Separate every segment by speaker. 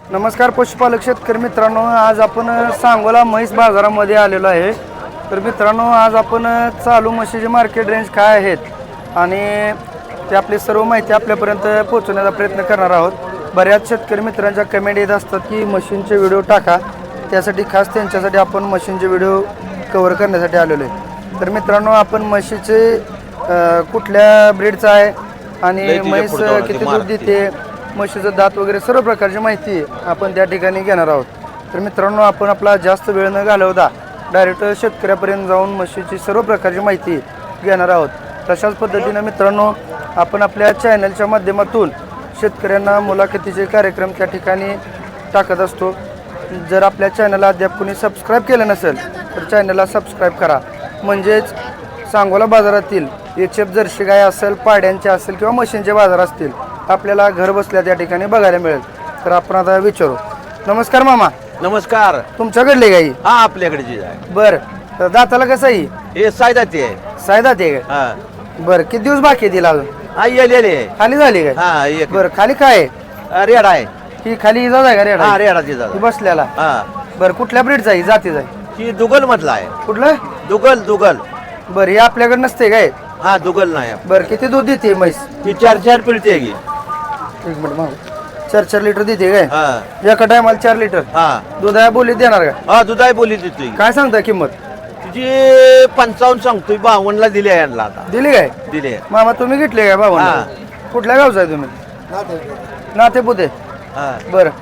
Speaker 1: नमस्कार पशुपालक शेतकरी मित्रांनो, आज आपण सांगोला म्हैस बाजारामध्ये आलेलो आहे. तर मित्रांनो, आज आपण चालू म्हशीचे मार्केट रेंज काय आहेत आणि ते आपली सर्व माहिती आपल्यापर्यंत पोहोचवण्याचा प्रयत्न करणार आहोत. बऱ्याच शेतकरी मित्रांच्या कमेंट येत असतात की मशीनचे व्हिडिओ टाका, त्यासाठी खास त्यांच्यासाठी आपण मशीनचे व्हिडिओ कव्हर करण्यासाठी आलेलो आहे. तर मित्रांनो, आपण म्हशीचे कुठल्या ब्रीडचा आहे आणि म्हैस किती दूध देते, म्हशीचं दात वगैरे सर्व प्रकारची माहिती आपण त्या ठिकाणी घेणार आहोत. तर मित्रांनो, आपण आपला जास्त वेळ न घालवता डायरेक्ट शेतकऱ्यापर्यंत जाऊन म्हशीची सर्व प्रकारची माहिती घेणार आहोत. तशाच पद्धतीनं मित्रांनो, आपण आपल्या चॅनलच्या माध्यमातून शेतकऱ्यांना मुलाखतीचे कार्यक्रम त्या ठिकाणी टाकत असतो. जर आपल्या चॅनलला अद्याप कोणी सबस्क्राईब केलं नसेल तर चॅनलला सबस्क्राईब करा. म्हणजेच सांगोला बाजारातील HF जर्सी गाय असेल, पाड्यांचे असेल किंवा म्हशींचे बाजार असतील, आपल्याला घर बसल्या त्या ठिकाणी बघायला मिळेल. तर आपण आता विचारू. नमस्कार मामा.
Speaker 2: नमस्कार.
Speaker 1: तुमच्याकडले गाई?
Speaker 2: हा, आपल्याकडे आहे.
Speaker 1: बर, तर दाताला कसं आहे?
Speaker 2: हे सायदाती आहे.
Speaker 1: सायदात आहे का?
Speaker 2: हा.
Speaker 1: बर, किती दिवस बाकी आहे तिला अजून?
Speaker 2: हा, येलेले आहे.
Speaker 1: खाली झाली काय?
Speaker 2: हा, एक
Speaker 1: बर, खाली काय आहे?
Speaker 2: रेड आहे.
Speaker 1: ही खाली इजा आहे का रेड?
Speaker 2: हा, रेडाची
Speaker 1: ती
Speaker 2: जात.
Speaker 1: बसल्याला.
Speaker 2: हा,
Speaker 1: बर, कुठल्या ब्रीडचा आहे, जातीचा आहे?
Speaker 2: ही दुगल मधला आहे.
Speaker 1: कुठलं?
Speaker 2: दुगल.
Speaker 1: बर, ही आपल्याकडे नसते काय?
Speaker 2: हा, दुगल नाही.
Speaker 1: बर, किती दूध देते म्हैस?
Speaker 2: ही 4 पिळते की.
Speaker 1: एक मिनिट मागू. 4 लिटर देते काय?
Speaker 2: हा.
Speaker 1: एका टायमाला 4 लिटर
Speaker 2: हा.
Speaker 1: दुधाया बोलीत देणार का?
Speaker 2: हा, दुधाई बोली देतोय.
Speaker 1: काय सांगता किंमत?
Speaker 2: तुझी 55 सांगतोय. 52 ला दिली आहे यांना आता.
Speaker 1: दिली काय?
Speaker 2: दिली.
Speaker 1: मामा तुम्ही घेतले काय बाबा?
Speaker 2: हा.
Speaker 1: कुठल्या गावचा आहे तुम्ही? नातेपुते.
Speaker 2: हा.
Speaker 1: बरं,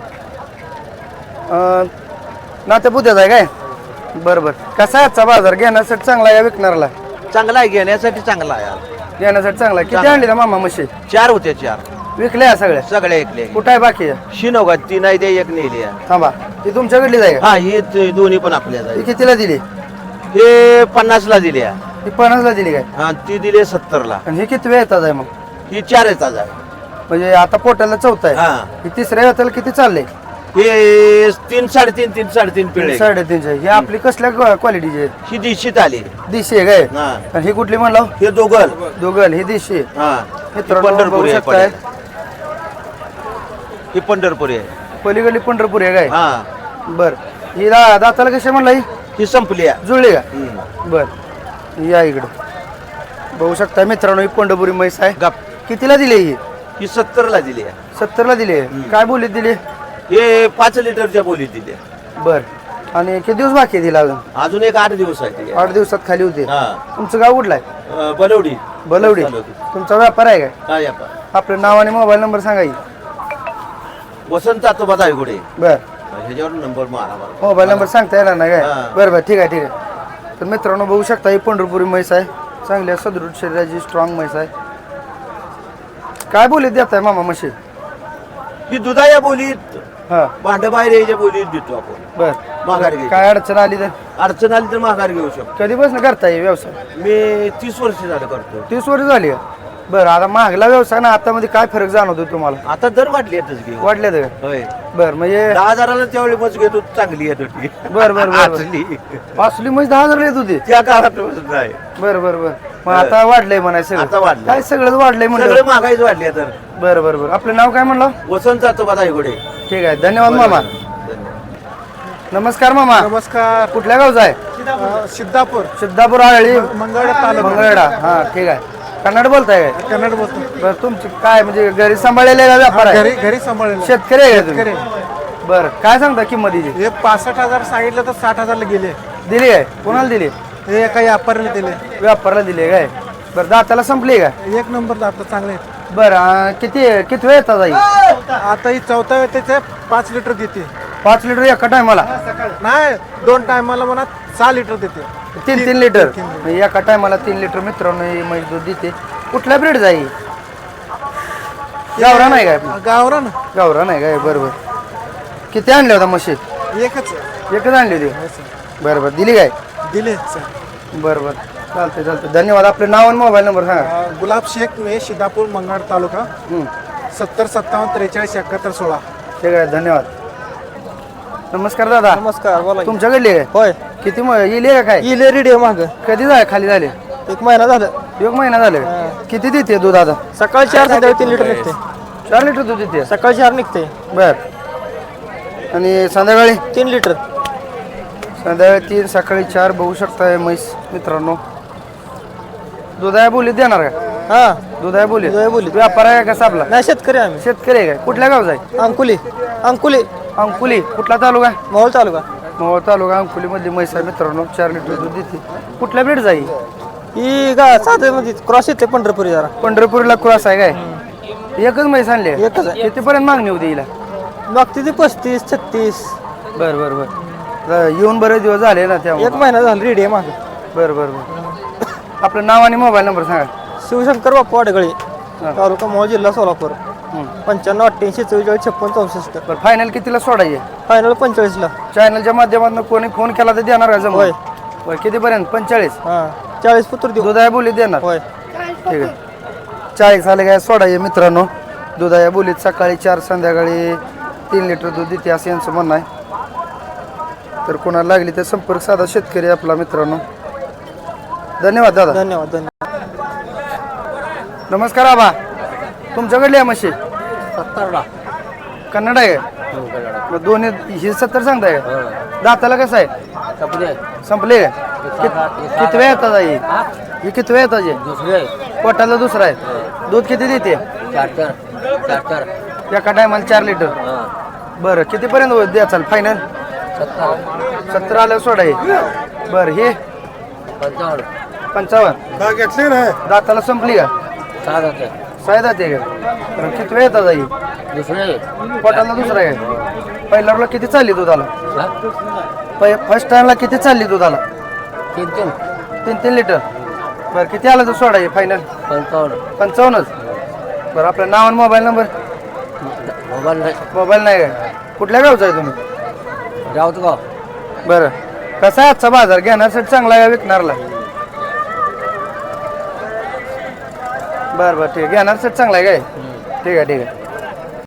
Speaker 1: नातेपुत्याचा आहे काय? बरं बरं. कसा आहे आजचा बाजार? घेण्यासाठी चांगला आहे या विकणाऱ्याला?
Speaker 2: चांगला आहे, घेण्यासाठी चांगला आहे यार.
Speaker 1: घेण्यासाठी चांगला आहे. किती आणली ना मामा म्हशी?
Speaker 2: 4 होते. 4
Speaker 1: विकल्या सगळ्या?
Speaker 2: सगळे ऐकले.
Speaker 1: कुठं आहे बाकी?
Speaker 2: शिनोगा 3 आहे, ते 1 नेली आहे.
Speaker 1: थांबा, ती तुमच्याकडली आहे का?
Speaker 2: हा, हे दोन्ही पण आपल्याच
Speaker 1: ती
Speaker 2: आहे.
Speaker 1: कितीला दिली?
Speaker 2: हे 50 ला दिली आहे.
Speaker 1: ती 50ला दिली काय?
Speaker 2: हा, ती दिली 70 ला.
Speaker 1: आणि ही किती वेळ येतात आहे मग?
Speaker 2: ही 4 येतात आहे.
Speaker 1: म्हणजे आता पोटाला 4था आहे.
Speaker 2: हा.
Speaker 1: ही तिसऱ्या येताला किती चालले?
Speaker 2: हे 3 साडेतीन पिळे.
Speaker 1: 3.5. ही आपली कसल्या क्वालिटीची आहे?
Speaker 2: ही दिशीत आली.
Speaker 1: दिशी आहे काय?
Speaker 2: हा.
Speaker 1: आणि ही कुठली म्हणला?
Speaker 2: हे दोघल.
Speaker 1: दोघल. ही दिशी.
Speaker 2: हा.
Speaker 1: मित्रांनो,
Speaker 2: पंढरपुरी आहे.
Speaker 1: बघू शकताय.
Speaker 2: ही पंढरपुरी आहे.
Speaker 1: पलीकडली पंढरपूर आहे काय?
Speaker 2: हा.
Speaker 1: बर, ही दाताला कशा म्हणला?
Speaker 2: ही संपली आहे.
Speaker 1: जुळली का?
Speaker 2: हम्म.
Speaker 1: बर, या इकडं बघू शकता मित्रांनो, ही पंढरपुरी म्हैस आहे.
Speaker 2: गप.
Speaker 1: कितीला दिली ही?
Speaker 2: ही 70 ला दिली आहे.
Speaker 1: 70ला दिली. काय बोलीत दिली?
Speaker 2: हे 5 लिटरच्या बोलीत दिली आहे.
Speaker 1: बर, आणि किती दिवस बाकी आहे तिला अजून?
Speaker 2: अजून एक 8 दिवस आहे ती.
Speaker 1: 8 दिवसात खाली होते.
Speaker 2: हा.
Speaker 1: तुमचं गाव कुठलं आहे?
Speaker 2: बलवडी.
Speaker 1: बलवडी. तुमचा व्यापार आहे काय?
Speaker 2: काय आपण
Speaker 1: आपलं नाव आणि मोबाईल नंबर सांगा की.
Speaker 2: वसंत आतोबा दायगुडे.
Speaker 1: बर,
Speaker 2: ह्याच्यावर नंबर मारा मला.
Speaker 1: मोबाईल नंबर सांगता येणार नाही काय?
Speaker 2: हा.
Speaker 1: बरं बरं, ठीक आहे. तर मित्रांनो, बघू शकता ही पंढरपुरी म्हैस आहे. चांगल्या सदृढ शरीराची स्ट्रॉंग म्हैस आहे. काय बोलीत देत आहे मामा म्हशी?
Speaker 2: ही दुधाया बोलीत,
Speaker 1: हा.
Speaker 2: भांड बाहेर यायच्या बोलीत देतो आपण.
Speaker 1: बर,
Speaker 2: माघार घ्यायची.
Speaker 1: काय अडचण आली तर?
Speaker 2: अडचण आली तर माघार घेऊ शकतो.
Speaker 1: कधीपासून करताय व्यवसाय?
Speaker 2: मी 30 वर्ष झालं करतो.
Speaker 1: 30 वर्ष झाली का? बरं, आता मागला व्यवसाय ना आता मध्ये काय फरक जाणवतो तुम्हाला?
Speaker 2: आता दर वाढली येतच घेऊ.
Speaker 1: वाढले तर?
Speaker 2: होय.
Speaker 1: बरं, म्हणजे
Speaker 2: 10,000ला त्यावेळी मच घेतो, चांगली येत होती.
Speaker 1: बरं बरं बरं.
Speaker 2: असली.
Speaker 1: असली म्हैस 10,000 येत होती?
Speaker 2: त्या काळात नाही.
Speaker 1: बरं बरं बरं. मग आता वाढलंय म्हणायचं सगळं?
Speaker 2: आता वाढलंय.
Speaker 1: काय सगळंच वाढलंय
Speaker 2: सगळं
Speaker 1: म्हणलं?
Speaker 2: महागाईच वाढली आहे तर.
Speaker 1: बरं बरं बरं. आपलं नाव काय म्हणलं?
Speaker 2: वसंत आतोबा दायगुडे.
Speaker 1: ठीक आहे, धन्यवाद मामा. नमस्कार मामा.
Speaker 3: नमस्कार.
Speaker 1: कुठल्या गावचा आहे?
Speaker 3: सिद्धापूर
Speaker 1: सिद्धापूर, आळी,
Speaker 3: मंगळवेढा तालुका.
Speaker 1: मंगळवेढा. हा, ठीक आहे. कन्नड बोलताय काय?
Speaker 3: कन्नड बोलतो.
Speaker 1: बरं, तुमची काय म्हणजे घरी सांभाळलेला व्यापार आहे?
Speaker 3: घरी सांभाळलेलं.
Speaker 1: शेतकरी आहे का
Speaker 3: शेतकरी.
Speaker 1: तुम्ही? बरं, काय सांगता किंमत हिची?
Speaker 3: हे 65,000 सांगितलं तर 60,000 ला गेले.
Speaker 1: दिली आहे? कोणाला दिली?
Speaker 3: हे एका व्यापाऱ्याला दिले.
Speaker 1: व्यापाराला दिली काय? बरं, दाताला संपली का?
Speaker 3: एक नंबर आता चांगले आहेत.
Speaker 1: बरं, किती वेळ येतात आई?
Speaker 3: आता ही 4था वेळ 5 लिटर देते.
Speaker 1: 5 लिटर एका टायमाला?
Speaker 3: नाही, 2 टायमाला म्हणा 6 लिटर देते.
Speaker 1: 3 लिटर एका टायमाला 3 लिटर मित्रांनो ही म्हैस दूध देते. कुठल्या ब्रीड जाई? गावरान आहे काय?
Speaker 3: गावरान
Speaker 1: गावरान आहे काय? बरोबर. किती आणल्या होत्या म्हशी?
Speaker 3: एकच
Speaker 1: आणली होती? बरं बरं, दिली काय?
Speaker 3: दिले.
Speaker 1: बरं बरं, चालतंय. धन्यवाद. आपलं नाव आणि मोबाईल नंबर सांगा.
Speaker 3: गुलाब शेख मे सिद्धापूर मंगळ तालुका. 70 57 43 71 16.
Speaker 1: ठीक आहे, धन्यवाद. नमस्कार दादा.
Speaker 3: नमस्कार, बोला.
Speaker 1: तुमच्याकडली आहे?
Speaker 3: होय,
Speaker 1: किती येले का काय?
Speaker 3: इले रेडी माग
Speaker 1: कधी खाली झाले?
Speaker 3: 1 महिना झाला.
Speaker 1: 1 महिना झाले. किती देते दूध आता?
Speaker 3: सकाळी 4 संध्याकाळी 3 लिटर निघते.
Speaker 1: 4 लिटर दूध देते?
Speaker 3: सकाळी 4 निघते.
Speaker 1: बर, आणि संध्याकाळी
Speaker 4: 3 लिटर.
Speaker 1: संध्याकाळी 3 सकाळी 4 बघू शकताय म्हैस मित्रांनो. दुधाया बोलीत देणार का?
Speaker 4: हा
Speaker 1: दुधाया बोलीत.
Speaker 4: दुधाया बोलीत.
Speaker 1: व्यापार आहे का आपला?
Speaker 4: नाही शेतकरी आम्ही.
Speaker 1: शेतकरी आहे काय? कुठल्या गावचा आहे?
Speaker 4: अंकुली.
Speaker 1: अंकुली. कुठला तालुका?
Speaker 4: मोहोळ तालुका.
Speaker 1: मोहोळ तालुका अंकुलीमधली म्हैस आहे मित्रांनो. 4 लिटर दूध देते. कुठल्या ब्रीड जाई?
Speaker 4: ही साधे म्हणजे क्रॉस येते पंढरपुरी जरा.
Speaker 1: पंढरपूरला क्रॉस आहे काय? एकच म्हैस आणली आहे?
Speaker 4: एकच आहे.
Speaker 1: कितीपर्यंत मागणी होती हिला?
Speaker 4: मागती ती 35-36.
Speaker 1: बरं येऊन बरेच दिवस झाले ना त्यामुळे.
Speaker 4: 1 महिना झाला रेडी आहे मागे.
Speaker 1: बरं आपलं नाव आणि मोबाईल नंबर सांगा.
Speaker 4: शिवशंकर बाप्पा वाडगळे, तालुका मोहोळ, जिल्हा सोलापूर. 95 88 44 56 64.
Speaker 1: बरं फायनल कितीला सोडायचे?
Speaker 4: फायनल 45 ला.
Speaker 1: चॅनलच्या माध्यमातून कोणी फोन केला तर देणार का जमून?
Speaker 4: होय.
Speaker 1: बरं कितीपर्यंत? 45.
Speaker 4: हा 40 पुत्र देऊ.
Speaker 1: दुधाया बोलीत देणार?
Speaker 4: होय.
Speaker 1: ठीक आहे. 40 झाले काय सोडायचे मित्रांनो. दुधाया बोलीत सकाळी 4 संध्याकाळी 3 लिटर दूध देते असं यांचं म्हणणं आहे. तर कोणाला लागली तर संपर्क साधा शेतकरी आपला मित्रांनो. धन्यवाद दादा.
Speaker 4: धन्यवाद.
Speaker 1: नमस्कार आबा. तुमच्याकडली आहे म्हशी?
Speaker 2: 70ला.
Speaker 1: कन्नड आहे का? मग दोन्ही ही 70 सांगताय का? दाताला कसं आहे? संपले का? किती वेळ येतात आई? ही किती वेळ येतात?
Speaker 2: दुसरे
Speaker 1: पोटाला दुसरा आहे. दूध किती देते?
Speaker 2: 4
Speaker 1: एका टायमाला 4 लिटर. बरं कितीपर्यंत द्या चाल फायनल? 70 आलं सोडाय. बरं हे 55.
Speaker 3: घेतले ना
Speaker 1: दाताला संपली का? 6 दाते का? बरं किती वेळ येतात आई?
Speaker 2: दुसरे
Speaker 1: पोटाला दुसरा आहे. पहिल्याला किती चालली दुधाला? फर्स्ट टाइमला किती चालली दुधाला? 3 लिटर. बरं किती आलं तर सोडाय फायनल? 55च. बरं आपलं नाव आणि मोबाईल नंबर? मोबाईल नाही काय? कुठल्या गावचा आहे तुम्ही?
Speaker 2: गाव.
Speaker 1: बरं कसा आहे आजचा बाजार? घेण्यासाठी चांगला आहे का विकणारला? बरं ठीक आहे. घेण्यासाठी चांगला आहे काय? ठीक आहे